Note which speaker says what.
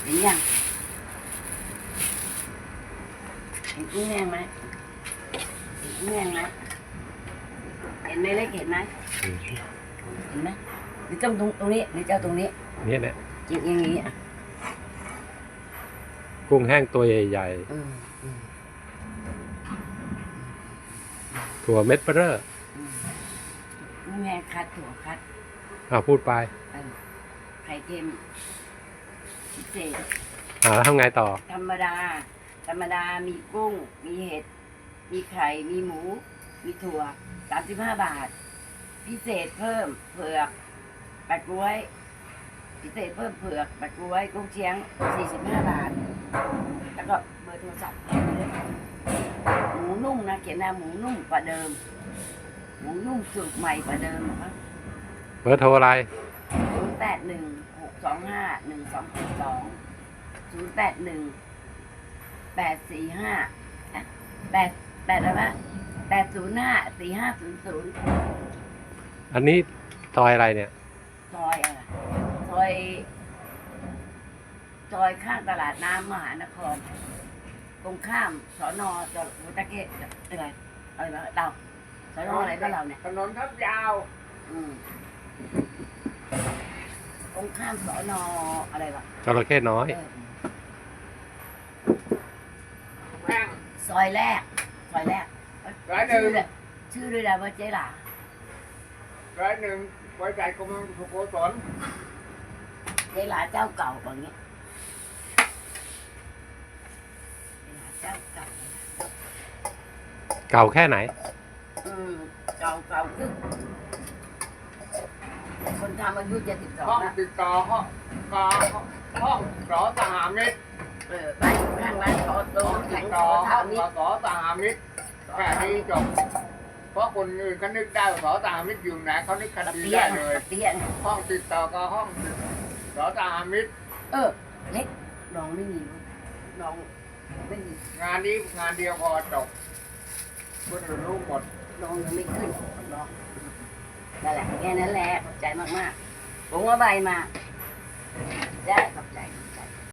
Speaker 1: ห็นยังเห็นกุ้งแห้งไหมเห็นกุ้งแห้งไหมเห็นไหมเล็กเห็นไหมเห็นไหมหรือต้องตรงนี้หรือเจ้าตรงนี้
Speaker 2: เนี่ยเนี่ย
Speaker 1: จิกอย่างนี้อ่ะ
Speaker 2: กุ้งแห้งตัวใหญ่ๆถั่วเม็ดเบ้อ
Speaker 1: กุ้งแห้งคัดถั่วคัด
Speaker 2: พูดไป
Speaker 1: ไข่เค็มพิเศษ
Speaker 2: แล้วทำไงต่อ
Speaker 1: ธรรมดามีกุ้งมีเห็ดมีไข่มีหมูมีถั่ว35 บาทพิเศษเพิ่มเผือกแปะกล้วยพิเศษเพิ่มเผือกแปะกล้วยกุ้งเชียง45 บาทแล้วก็เบอร์โทรศัพท์หมูนุ่มนะเขียนนะหมูนุ่มกว่าเดิมหมูนุ่มสูตรใหม่กว่าเดิมนะครับ
Speaker 2: เบอร์โทรอะไรอันนี้ซอยอะไรเนี่ย
Speaker 1: ซอยข้างตลาดน้ำมหานครตรงข้ามสน.จอดหัวตะเกียบอะไรวะเราสน.อะไรก็เราเนี่ย
Speaker 3: ถนนทับยาว
Speaker 1: ตรงข้ามสน.อะไรวะ
Speaker 2: จระเข้น้อย
Speaker 1: ซอยแรก
Speaker 3: 101
Speaker 1: ชื่อด้วยนะว่าเจ๊หล่า
Speaker 3: 101ไว้ใจกรมสุโขทัย
Speaker 1: เจ๊หล่าเจ้าเก่าแบบนี้เจ้าเก่า
Speaker 2: เก่าแค่ไหน
Speaker 1: เก่าคือคนทำอายุ72
Speaker 3: ห้องติดต่อห้องสอสหมิตร
Speaker 1: บ้านข้างร้านขอโต๊ะ
Speaker 3: ติดต่อห้องสอสหมิตรแค่นี้จบเพราะคนอื่นเขานึกได้ว่าสอสหมิตรอยู่ไหนเขานึกคดีได้เลยห้องติดต่อกับห้องสอสหมิตร
Speaker 1: เล็กน้องไม่มีน้องไม่มี
Speaker 3: งานนี้งานเดียวพอจบคนอื่นรู้หมด
Speaker 1: น้องยังไม่ขึ้นน้องนั่นแหละแค่นั้นแหละขอบใจมากๆผมว่าใบมาได้ขอบใจ